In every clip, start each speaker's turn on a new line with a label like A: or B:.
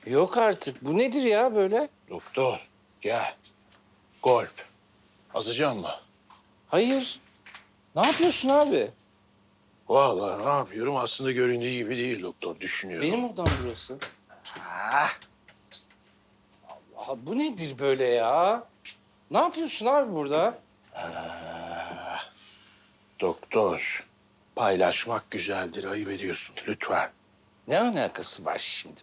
A: Yok artık. Bu nedir ya böyle?
B: Doktor gel. Golf. Azacağım mı?
A: Hayır. Ne yapıyorsun abi?
B: Vallahi ne yapıyorum? Aslında göründüğü gibi değil doktor. Düşünüyorum.
A: Benim odam burası.
B: Ah,
A: Aha, bu nedir böyle ya? Ne yapıyorsun abi burada?
B: doktor. Paylaşmak güzeldir. Ayıp ediyorsun. Lütfen.
A: Ne alakası var şimdi?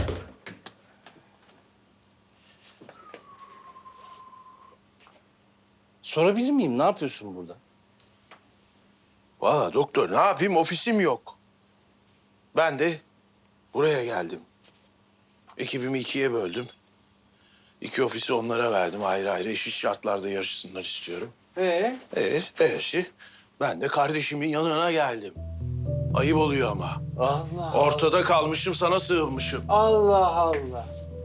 A: Sorabilir miyim? Ne yapıyorsun burada?
B: Vallahi doktor ne yapayım? Ofisim yok. Ben de buraya geldim. Ekibimi ikiye böldüm. İki ofisi onlara verdim ayrı ayrı. Eşit şartlarda yarışsınlar istiyorum. Eşi. Ben de kardeşimin yanına geldim. Ayıp oluyor ama.
A: Allah
B: Ortada kalmışım, sana sığınmışım.
A: Allah Allah.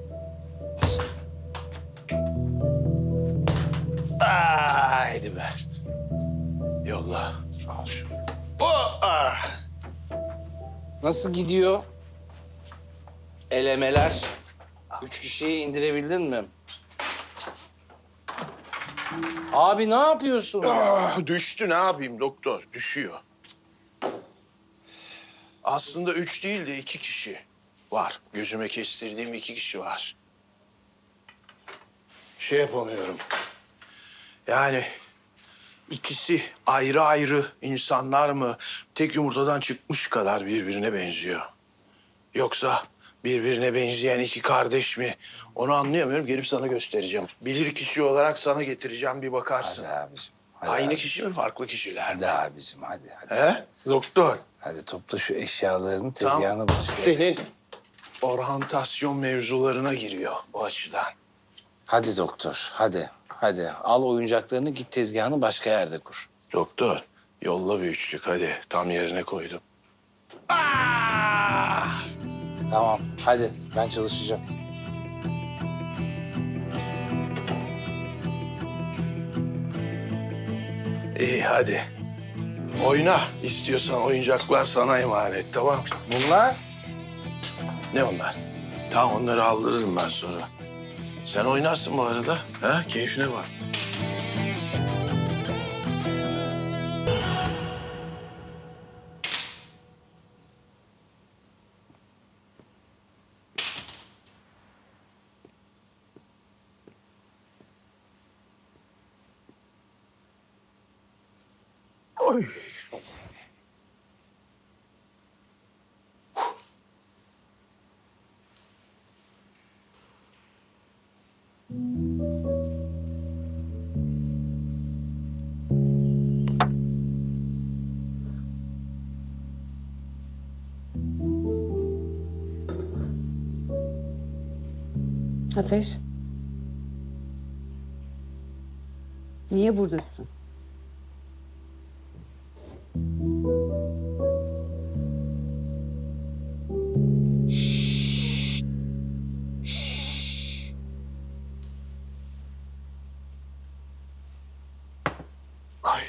B: Haydi be. Yolla. Al şunu. Oh, ah.
A: Nasıl gidiyor? Elemeler. 3 kişiyi indirebildin mi? Abi ne yapıyorsun?
B: Ah, düştü ne yapayım doktor? Düşüyor. Aslında 3 değil de 2 kişi var. Gözüme kestirdiğim 2 kişi var. Şey yapamıyorum. Yani ikisi ayrı ayrı insanlar mı tek yumurtadan çıkmış kadar birbirine benziyor. Yoksa birbirine benzeyen iki kardeş mi? Onu anlayamıyorum. Gelip sana göstereceğim. Bilir kişi olarak sana getireceğim, bir bakarsın.
A: Hadi abicim. Hadi
B: Aynı
A: abi.
B: kişi mi, farklı kişiler
A: Hadi
B: mi?
A: abicim hadi.
B: He? Doktor.
A: Hadi topla şu eşyalarını tezgahına başka.
B: Senin orhantasyon mevzularına giriyor bu açıdan.
A: Hadi doktor hadi. Hadi al oyuncaklarını git tezgahını başka yerde kur.
B: Doktor, yolla bir üçlük hadi. Tam yerine koydum.
A: Tamam hadi ben çalışacağım.
B: İyi hadi. Oyna. İstiyorsan oyuncaklar sana emanet, tamam?
A: Bunlar?
B: Ne onlar? Tamam, onları aldırırım ben sonra. Sen oynarsın bu arada. Ha? Keyfine bak. Oy.
C: Ateş. Niye buradasın?
B: Ay.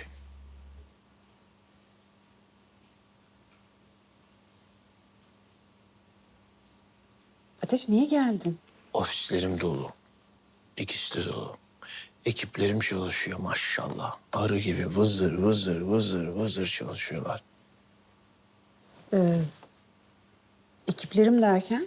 C: Ateş niye geldin?
B: Ofislerim dolu. İkisi de dolu. Ekiplerim çalışıyor maşallah. Arı gibi vızır vızır vızır vızır çalışıyorlar.
C: Ekiplerim derken?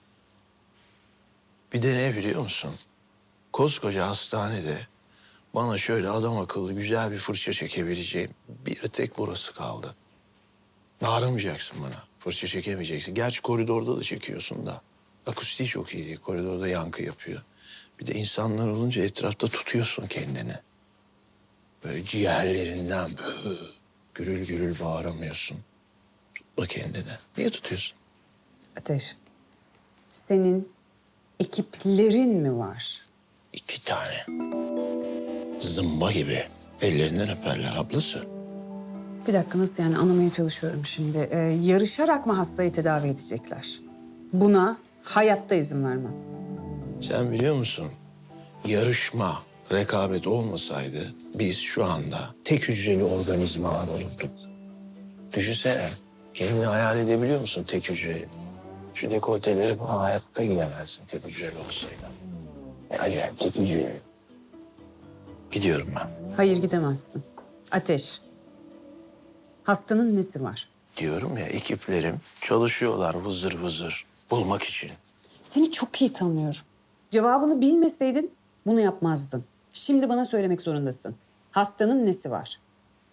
B: Bir de ne biliyor musun? Koskoca hastanede bana şöyle adam akıllı güzel bir fırça çekebileceğim bir tek burası kaldı. Bağıramayacaksın bana. Fırça çekemeyeceksin. Gerçi koridorda da çekiyorsun da. Akustiği çok iyi değil. Koridorda yankı yapıyor. Bir de insanlar olunca etrafta tutuyorsun kendini. Böyle ciğerlerinden böyle gürül gürül bağıramıyorsun. Tutma kendini. Niye tutuyorsun?
C: Ateş. Senin ekiplerin mi var?
B: 2 tane. Zımba gibi. Ellerinden öperler ablası.
C: Bir dakika nasıl yani anlamaya çalışıyorum şimdi. Yarışarak mı hastayı tedavi edecekler? Buna hayatta izin vermem.
B: Sen biliyor musun? Yarışma, rekabet olmasaydı biz şu anda tek hücreli organizmalar olurduk. Düşünsene. Kendini hayal edebiliyor musun tek hücreli? Şu dekolteleri falan hayatta giyemezsin tabii güzel olsaydı. Acayip çekici. Gidiyorum ben.
C: Hayır gidemezsin. Ateş. Hastanın nesi var?
B: Diyorum ya ekiplerim çalışıyorlar vızır vızır bulmak için.
C: Seni çok iyi tanıyorum. Cevabını bilmeseydin bunu yapmazdın. Şimdi bana söylemek zorundasın. Hastanın nesi var?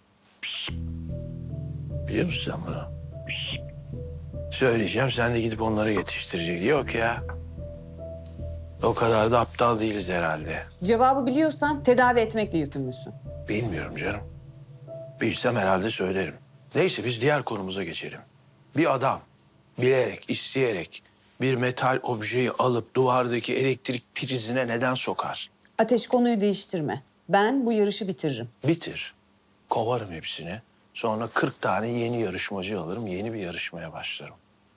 B: Biliyor musun sen bunu? Söyleyeceğim sen de gidip onları yetiştireceksin. Yok ya. O kadar da aptal değiliz herhalde.
C: Cevabı biliyorsan tedavi etmekle yükümlüsün.
B: Bilmiyorum canım. Bilsem herhalde söylerim. Neyse biz diğer konumuza geçelim. Bir adam bilerek, isteyerek bir metal objeyi alıp duvardaki elektrik prizine neden sokar?
C: Ateş, konuyu değiştirme. Ben bu yarışı bitiririm.
B: Bitir. Kovarım hepsini. Sonra 40 tane yeni yarışmacı alırım. Yeni bir yarışmaya başlarım.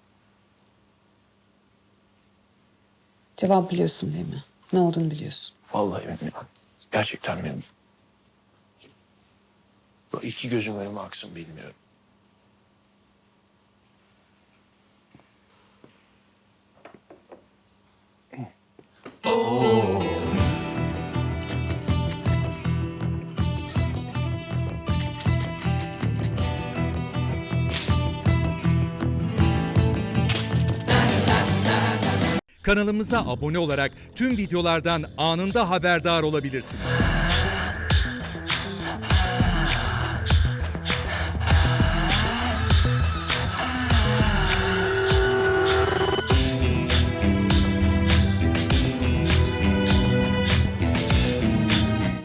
C: Cevap biliyorsun değil mi? Ne olduğunu biliyorsun.
B: Vallahi bilmiyorum. Gerçekten bilmiyorum. Bu iki gözüm önüme aksın bilmiyorum.
D: Kanalımıza abone olarak tüm videolardan anında haberdar olabilirsiniz.